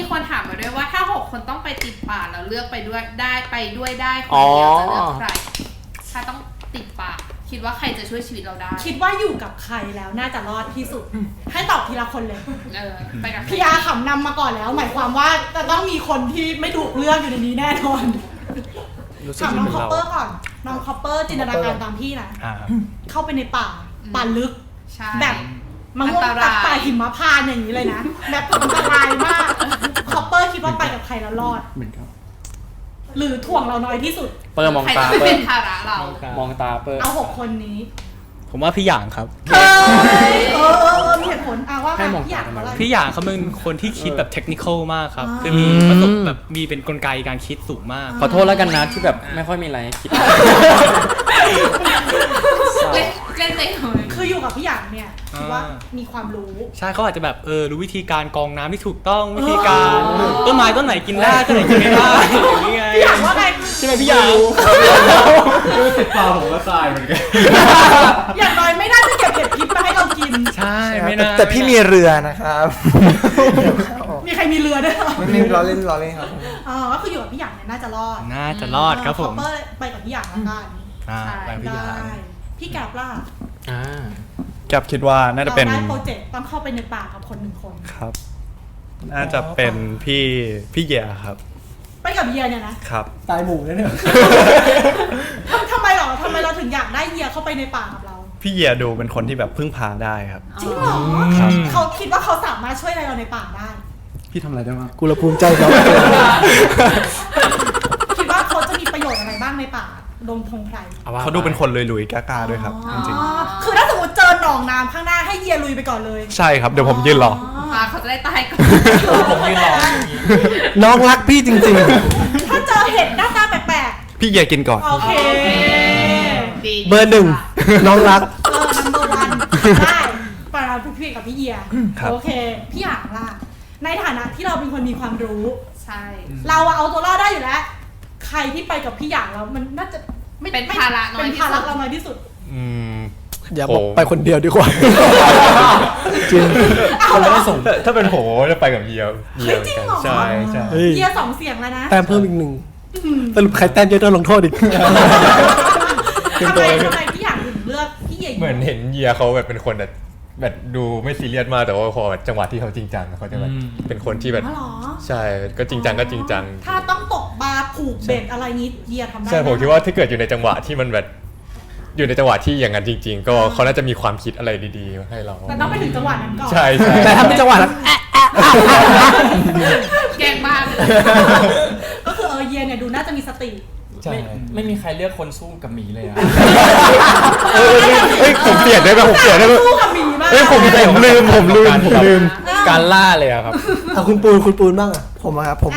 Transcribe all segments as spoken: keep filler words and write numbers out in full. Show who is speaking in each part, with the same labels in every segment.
Speaker 1: คนถามมาด้วยว่าถ้าหกคนต้องไปติดป่าแล้วเลือกไปด้วยได้ไปด้วยได้คนเดียวจะเลือกใครถ้าต้องติดป่าคิดว่าใครจะช่วยชีวิตเราได้
Speaker 2: คิดว่าอยู่กับใครแล้วน่าจะรอดที่สุดให้ตอบทีละคนเลย
Speaker 1: เออไปกับ
Speaker 2: พี่อาขำนำมาก่อนแล้วหมายความว่าจะต้องมีคนที่ไม่ถูกเลือกอยู่ในนี้แน่นอนถามน้องคอปเปอร์ก่อนน้องคอปเปอร์จินตนาการตามพี่นะเข้าไปในป่าป่าลึกแบบมังม่วงตัดป่าหิมพานต์อย่างนี้เลยนะแบบอันตรายมากคอปเปอร์คิดว่าไปกับใครแล้วรอด
Speaker 3: เหมือนกัน
Speaker 2: หรือถ่วงเราน้อยที่สุด
Speaker 4: เปิร์มองตา
Speaker 1: เปิร์เป็นภาระเรา
Speaker 4: มองตาเปิร์
Speaker 2: เอาหกคนนี้
Speaker 4: ผมว่าพี่หยางครับ
Speaker 2: เฮ้ยเออเออเออมีเหตุผลอ่ะว่าพี่หยางอะไร
Speaker 4: พี่หยางเขาเป็นคนที่คิดแบบเทคนิคอลมากครับคือมีประสบแบบมีเป็นกลไกการคิดสูงมาก
Speaker 3: ขอโทษแล้วกันนะที่แบบไม่ค่อยมีอะไรคิด
Speaker 1: เล่นเล่นเลย
Speaker 2: คืออยู่กับพี่หยางเนี่ยคิดว่ามีความรู้
Speaker 4: ใช่เขาอาจจะแบบเออรู้วิธีการกรองน้ำที่ถูกต้องวิธีการต้นไม้ต้นไหนกินได้ต้นไหนกินไม่ได้อย่างเงี้ย
Speaker 2: พี่หยางว่าไง
Speaker 4: ใช่ไหมพี่หยาง
Speaker 3: รู้สึกเปล่าผมก็ตายเหมือนกัน
Speaker 2: อย่างน้อยไม่น่าจะเก็บเห็ดพิษมาให้เรากิน
Speaker 4: ใช่ไม่น่า
Speaker 5: แต่พี่มีเรือนะครับ
Speaker 2: มีใครมีเรือด้วยเหรอ
Speaker 5: ไม่มีล้อเล่นล้อเล่นครับ
Speaker 2: อ๋อก็คืออยู่กับพี่หยางเนี่ยน่าจะรอด
Speaker 4: น่าจะรอดครับผม
Speaker 2: ไปกับพี่หยางแล้วกัน
Speaker 4: ไปพี่หยาง
Speaker 2: พี่แกบล่ะ
Speaker 3: อ่า
Speaker 6: แกบคิดว่าน่าจะเป็น
Speaker 2: ได้โปรเจกต์ต้องเข้าไปในป่ากับคนหนึ่งคน
Speaker 6: ครับน่าจะเป็นพี่พี่เยียครับ
Speaker 2: ไปกับเยียเนี่ยนะครับ
Speaker 3: ตายหมู่เนี่ย
Speaker 2: ทำทำไมหรอทำไมเราถึงอยากได้เยียเข้าไปในป่ากับเรา
Speaker 6: พี่เยียดูเป็นคนที่แบบพึ่งพาได้ครับ
Speaker 2: จริงเหรอเขาคิดว่าเขาสามารถช่วยอะไรเราในป่าได้
Speaker 3: พี่ทำอะไรได้บ้าง
Speaker 5: กูละภูมิใจเขา
Speaker 2: คิดว่าเขาจะมีประโยชน์อะไรบ้างในป่าดงพงไพร
Speaker 6: เขาดูเป็นคนลุยๆกล้าๆด้วยครับจริง
Speaker 2: ๆคือถ้าสมมติเจอหนองน้ำข้างหน้าให้เยียลุยไปก่อนเลย
Speaker 6: ใช่ครับเดี๋ยวผมยืนรอ
Speaker 1: เขาจะได้ตายก่อน
Speaker 4: ผมยืนรอ
Speaker 5: น้องรักพี่จริง
Speaker 2: ๆถ้าเจอเห็ดหน้าตาแปลก
Speaker 6: ๆพี่เยียกินก่อน
Speaker 2: โอเค
Speaker 5: เบอร์หนึ่งน้องรัก
Speaker 2: เออ number one ได้ปาราพี่กับพี่เยียโอเคพี่อยากล่ะในฐานะที่เราเป็นคนมีความรู้
Speaker 1: ใช่
Speaker 2: เราเอาตัวรอดได้อยู่แล้วใครที่ไปกับพี่อยากแล้วมันน่าจะ
Speaker 1: ไม่เป็นภาระน้อยที่สุด
Speaker 2: เป็นภาระเราน้อยที่สุด
Speaker 6: อืม
Speaker 5: อย่าบอกไปคนเดียวดีกว่าจริง
Speaker 6: คนไม่ได้ส่งถ้าเป็นผมจะไปกับเยีย
Speaker 2: เยียจริงเหรอ
Speaker 6: ใช่ใช่
Speaker 2: เยียสองเสียงแล้วนะ
Speaker 5: แต้มเพิ่มอีกหนึ่งสรุปใครแต้มเยอะโดนลงโทษอีก
Speaker 2: ทำไมทำไมพี่อยากถึงเลือกพี่เยีย
Speaker 6: เหมือนเห็นเยียเขาแบบเป็นคนแบบแบบดูไม่ซีเรียสมากแต่ว่าพอจังหวะที่เขาจริงจังเขาจะแบบเป็นคนที่แบบใช่ก็จริงจังก็จริงจัง
Speaker 2: ถ้าต้องตกบาผูกเบ็ดอะไรนี้เยียทำได้
Speaker 6: ใช่ผมคิดว่าถ้าเกิดอยู่ในจังหวะที่มันแบบอยู่ในจังหวะที่อย่างนั้นจริงๆก็เขาน่าจะมีความคิดอะไรดีๆให้เรา
Speaker 2: แต่ต้องไปถึงจังหวะนั้นก่อน
Speaker 6: ใช่ใช่
Speaker 5: แต่ถ้าเป็นจังหวะนั้น
Speaker 1: แกงบ้าเลย
Speaker 2: ก็คือเออเยียเนี่ยดูน่าจะมีสติ
Speaker 3: ไม่ไม่มีใครเลือกคนสู้กับหมีเลยอ่ะ
Speaker 6: เอ้ยผมเปลี่ยนได้ไหมผมเปลี่ยนได้ไหม
Speaker 2: สู้กับหมีมาก
Speaker 6: เอ้ยผมผมลืมผมลืมผมลืม
Speaker 4: การล่าเลยครับ
Speaker 5: เอาคุณปูนคุณปูนบ้างอ่ะผมอะครับผม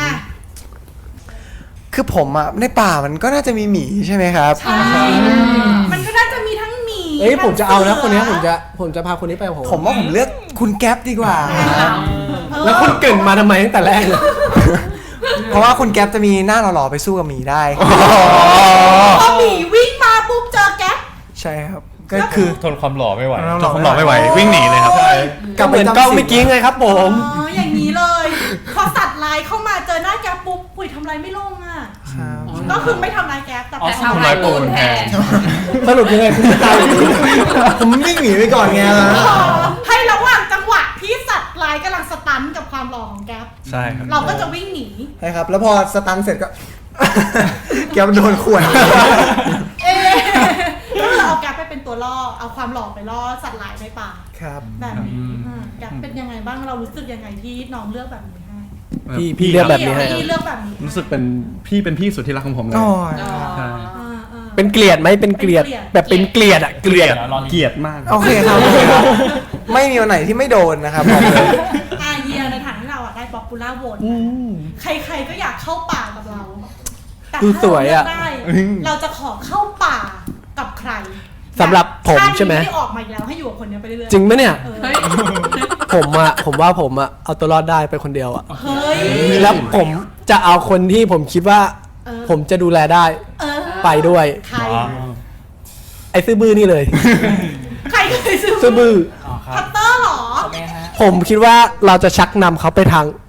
Speaker 5: คือผมอ่ะในป่ามันก็น่าจะมีหมีใช่ไหมครับ
Speaker 2: ใช่มันก็น่าจะมีทั้งหมี
Speaker 5: เอ้ยผมจะเอานะคนนี้ผมจะผมจะพาคนนี้ไปผมผมว่าผมเลือกคุณแก๊ปดีกว่าแล้วคุณเก่งมาทำไมตั้งแต่แรกเลยเพราะว่าคุณแก๊ปจะมีหน้าหล่อๆไปสู้กับหมีได้
Speaker 2: พอหมีวิ่งมาปุ๊บเจอแก๊ป
Speaker 5: ใช่ครับก็คือ
Speaker 6: ทนความหล่อไม่ไหวทนความหล่อไม่ไหววิ่งหนีเลยครับ
Speaker 5: กลับเหมือนกล้องเมื่อกี้ไงครับผม
Speaker 2: อ๋ออย่างนี้เลยพอสัตว์ลายเข้ามาเจอหน้าแก๊ปปุ๊บปุ๋ยทำไรไม่ลงอ่ะก็คือไม่ทำลายแก๊ปแต่
Speaker 1: ทำลายปูนแทน
Speaker 5: สรุปยังไงคุณตายผมวิ่งหนีไปก่อนไง
Speaker 2: ให้ระหว่างจังหวะที่สัตว์ลายกำลังสตันกับความหล่อของแก๊ป
Speaker 6: ใช่ครับ
Speaker 2: เราก็จะวิ่งหนี
Speaker 5: ใช่ครับแล้วพอสตันเสร็จก็แก๊ปโดนข่วน
Speaker 2: เอ๊ะก็คือเอาแก๊ปไปเป็นตัวล่อเอาความหล่อไปล่อสัตว์หลายในป่า
Speaker 5: ครับ
Speaker 2: แบบนี้แก๊ปเป็นยังไงบ้างเรารู้สึกยังไงที่น้องเลือกแบบนี้ให้
Speaker 5: พี่พี่เลือกแบบนี้ให้
Speaker 2: พี่เลือกแบบนี้
Speaker 6: รู้สึกเป็นพี่เป็นพี่สุดที่รักของผมเลย
Speaker 5: ใช่เป็นเกลียดไหมเป็นเกลียดแบบเป็นเกลียดอะเกลียด
Speaker 6: เกลียดมาก
Speaker 5: โอเคครับไม่มีวันไหนที่ไม่โดนนะครับ
Speaker 2: อาเยียในฐานที่เราอะได้ป๊อปปูล่าโหวตใครๆก็อยากเข้าป่ากับเราแต่ถ้าเราเลือกได้เราจะขอเข้าป่ากับใคร
Speaker 5: สำหรับผมใช่ไหม
Speaker 2: ไม่ออกมาอีกแล้วให้อยู่กับคนนี้ไปเรื่อย
Speaker 5: ๆจริงไหมเนี่ยผมอะผมว่าผมอะเอาตัวรอดได้ไปคนเดียวอะแล้วผมจะเอาคนที่ผมคิดว่าผมจะดูแลได้ไปด้วย
Speaker 2: ใคร
Speaker 5: ไอ้ซื้อบื้อนี่เลย
Speaker 2: ใครเคยซื้อ
Speaker 5: ซื้อบื้อ
Speaker 2: พัตเตอร์หรอ
Speaker 5: ผมคิดว่าเราจะชักนำเขาไปทาง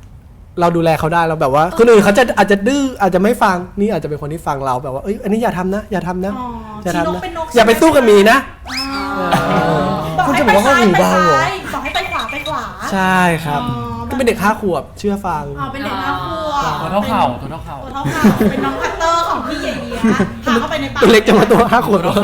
Speaker 5: เราดูแลเขาได้เราแบบว่าคนอื่นเขาจะอาจจะดื้ออาจจะไม่ฟังนี่อาจจะเป็นคนที่ฟังเราแบบว่าเอ้ยอันนี้อย่าทำนะ อย่าทำนะ
Speaker 2: อ๋อ
Speaker 5: อย่า
Speaker 2: ชี้น
Speaker 5: ทำ
Speaker 2: ก
Speaker 5: นะ
Speaker 2: เป็นนก
Speaker 5: อย่าไปสู้กับหมีนะ
Speaker 2: บอก
Speaker 5: คุณ
Speaker 2: ให้
Speaker 5: จะ
Speaker 2: ไป
Speaker 5: บอกว่า
Speaker 2: ซ้าย
Speaker 5: เขาหู
Speaker 2: ไป
Speaker 5: เบาเหรอ
Speaker 2: ซ้ายบอกให้ไปขวาไปขวา
Speaker 5: ใช่ครับ
Speaker 2: อ๋อ
Speaker 5: ก็เป็นเด็กห้าขวบเชื่อฟัง
Speaker 2: อ๋อเป็นเด็กห้าขวบ
Speaker 3: ตัวเท่าเข่าตัวเท่าเข่า
Speaker 2: ตัวเท่าเข่าเป็นน้องพัตเตอร์ของพี่เยียพาเข้าไปในป่า
Speaker 5: ตัวเล็กจะมาตัวห้าขวบแล้ว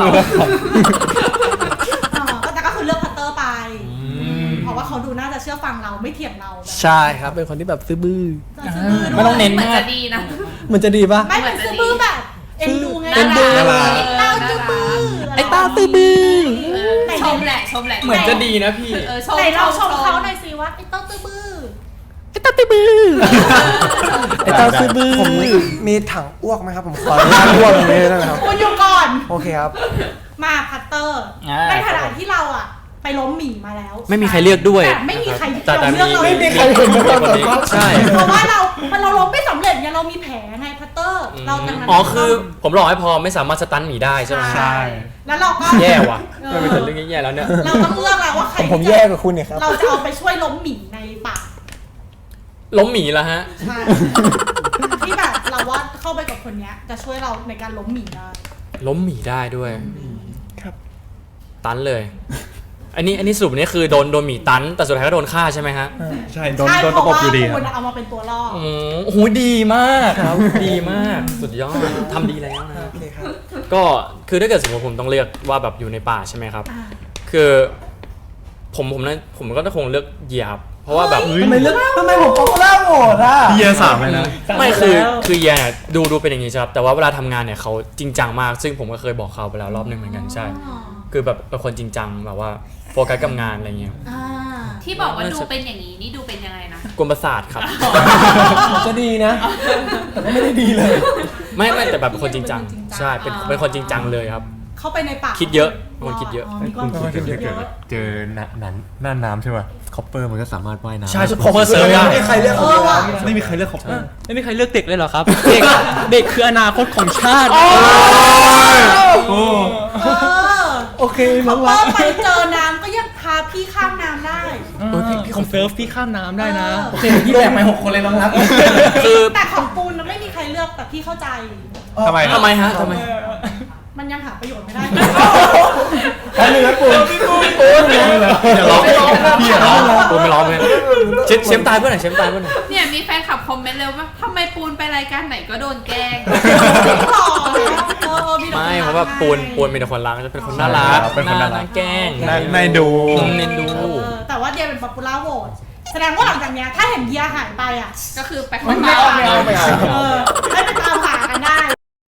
Speaker 2: อ๋อก็แต่ก็คือเลือกพัตเตอร์ไป เพราะว่าเขาดูน่าจะเชื่อฟังเราไม่เถียงเราแบบ
Speaker 5: ใช่ครับเป็นคนที่แบบซื่อบื้อ
Speaker 2: ซื่อบื้ด้วย
Speaker 3: ไม่ต้องเน้น
Speaker 1: เหมือน
Speaker 3: มาก
Speaker 1: จะดีนะ
Speaker 5: มันจะดีปะ
Speaker 2: ไม่เป็นซื่อบื้อแบบเอ็นดูไง
Speaker 5: เอ็นดู
Speaker 2: ไอ้เต้าซื่อบื้อ
Speaker 5: ไอ้ตาซื่อบื้อ
Speaker 1: เออชมแหละชมแหละ
Speaker 3: เหมือนจะดีนะพี่
Speaker 1: เออชม
Speaker 2: ไหนเราชมเขาหน่อยสิว่าไอ้เต้าซื่อบื้อ
Speaker 5: ไอ้ตาซื่อบื้อไอ้ตาซื่อบื้อ
Speaker 7: ผมมีถังอ้วกไหมครับ ผมขออนุญาตอ้วกตรงนี้ได้ไหมครับ
Speaker 2: คุณอยู่ก่อน
Speaker 7: โอเคครับ
Speaker 2: มาพัตเตอร์
Speaker 3: อ่า
Speaker 2: ในขณะที่เราอะไปล้มหมีมาแล้ว
Speaker 4: ไม่มีใครเลือกด้วย
Speaker 2: แต่ไม่มีใคร
Speaker 4: แต่แต่
Speaker 2: ยอมเลือกเรา
Speaker 4: มี
Speaker 2: เลย
Speaker 5: ใครเห็นมาก่อน
Speaker 4: ใช่
Speaker 2: เพราะว่าเรามันเราล้มไม่สำเร็จไงเรามีแผลไงพัตเตอร์ เราดังนั้น
Speaker 4: อ๋อคือผมรอให้พอไม่สามารถสตันหมีได้ใช่ไหม
Speaker 2: ใช่แล้วเราก็
Speaker 4: แย่ว่ะ
Speaker 2: เออ
Speaker 4: มันเป็นเรื่องแย่ๆแล้วเนี่ย
Speaker 2: เราต้องเลือกแล้วว่าใคร
Speaker 7: ผมแย่กว่าคุณเนี่ยครับ
Speaker 2: เราจะเอาไปช่วยล้มหมีในป่า
Speaker 4: ล้มหมีแล้วฮะ
Speaker 2: ใช่ที่แบบเราว่าเข้าไปกับคนเนี้ยจะช่วยเราในการล้มหมีได้
Speaker 4: ล้มหมีได้ด้วย
Speaker 7: ครับ
Speaker 4: ตันเลย อันนี้อันนี้สรุปนี่คือโดนโดนหมีตัน แต่สุดท้ายก็โดนฆ่าใช่ไหมฮะ
Speaker 3: ใช่โดน
Speaker 2: ใช่
Speaker 3: โดน
Speaker 2: เพ
Speaker 3: ตะ
Speaker 2: ราะ
Speaker 3: ปบ
Speaker 2: ว่า
Speaker 3: อยู่ดีค
Speaker 2: คุ
Speaker 3: รับ
Speaker 2: ณเอามาเป็นตัวล่อ
Speaker 4: อืมโอ้โหดีมากครับ ดีมาก สุดยอดทำดีแล้วนะ
Speaker 7: โอเคครับ
Speaker 4: ก็คือถ้าเกิดสมมติผมต้องเลือกว่าแบบอยู่ในป่าใช่ไหมครับ
Speaker 2: อ่า
Speaker 4: คือผมผมนะผมก็คงเลือกเหยียบ เพราะว่าแบบ
Speaker 5: ทำไมเลือกทำไมผมป๊อปปูล่าโหวตอ่ะ
Speaker 3: พี่เยสามเลยนะ
Speaker 4: ไม่คือคือเหยียบดูดูเป็นอย่างนี้ใช่ครับแต่ว่าเวลาทำงานเนี่ยเขาจริงจังมาก ซึ่งผมก็เคยบอกเขาไปแล้วรอบหนึ่งเหมือนกันใช่ คือแบบเป็นคนจริงจังแบบว่าโฟกัสกับงานอะไรเงี้ย
Speaker 2: อ่า
Speaker 1: ที่บอกว่าดูเป็นอย่างนี้นี่ดูเป็นยังไงนะ
Speaker 4: กวนประสาทครับ
Speaker 5: จะดีนะ แต่ก็ไม่ได้ดีเลย
Speaker 4: ไม่ไม่แต่แบบเป็นคนจริงจังใช่เป็นเป็นคนจริงจังเลยครับ
Speaker 2: เข้าไปในป่า
Speaker 4: คิดเยอะคนคิดเยอะ
Speaker 2: มีความ
Speaker 6: คุณคิด
Speaker 2: คิ
Speaker 6: ถึ
Speaker 2: ด
Speaker 6: ง
Speaker 2: เย
Speaker 6: ถ้าเกิด
Speaker 2: อะ
Speaker 6: เจอหน้านั้นหน้าน้ำใช่ป่ะคอปเปอร์มันก็สามารถว่ายน้ำ
Speaker 4: ใช่เพราะว่าเซิร์ฟได้
Speaker 5: ไม่มีใครเลือก
Speaker 2: เอ
Speaker 5: เขา
Speaker 2: อว่ะ
Speaker 3: ไม่มีใครเลือกของผม
Speaker 4: ไม่มีใครเลือกเด็กเลยเหรอครับ เด็กเด็กคืออนาคตของชาติ
Speaker 3: โอ้
Speaker 2: เออ
Speaker 5: โอเค
Speaker 2: ค
Speaker 5: น้
Speaker 2: อ
Speaker 5: อง
Speaker 2: ปเป
Speaker 5: รั
Speaker 2: อก ร์ไปเจอน้ำก็ยังพาพี่ข้ามน้ำได้
Speaker 4: เออพี่พี่คอมเซิร์ฟพี่ข้ามน้ำได้นะ
Speaker 2: เออ
Speaker 5: โอเคพี่แบกไปหกคนเลยน้องรัก
Speaker 4: คือ
Speaker 2: แต่ของปูนน่ะไม่มีใครเลือกแต่พี่เข้าใจ
Speaker 3: ทำไม
Speaker 4: ทำไมฮะทำไม
Speaker 2: มันยังหาประโยชน์ไม่ได้
Speaker 5: แค่นึงนะปูนพี่ปูนพี่ปูน
Speaker 4: อย่าร้องพี่อย่าร้องปูไม่ร้องเลยเชฟเชฟตายเพื่อนไหนเชฟตายเพื่อนไหน
Speaker 1: เนี่ยมีแฟนคลับคอมเมนต์เลยว่าทำไมปูนไปรายการไหนก็โดนแกล้ง
Speaker 2: หล่อเออมีแต่คน
Speaker 4: ไม่
Speaker 2: รัก
Speaker 4: เพราะว่าปูนปูนเป็นคนรักจะเป็นคนน่ารัก
Speaker 3: เป็นคนน่ารัก
Speaker 4: แกล้ง
Speaker 3: น่าน่าดู
Speaker 4: เน้นดู
Speaker 2: เออแต่ว่าเดียเป็นป๊อปปูล่าโหวตแสดงว่าหลังจากเนี้ยถ้าเห็นเดียหายไปอ่ะ
Speaker 1: ก็คือไป
Speaker 5: ไม่เอาไม่เอาไม่เอา
Speaker 2: เออ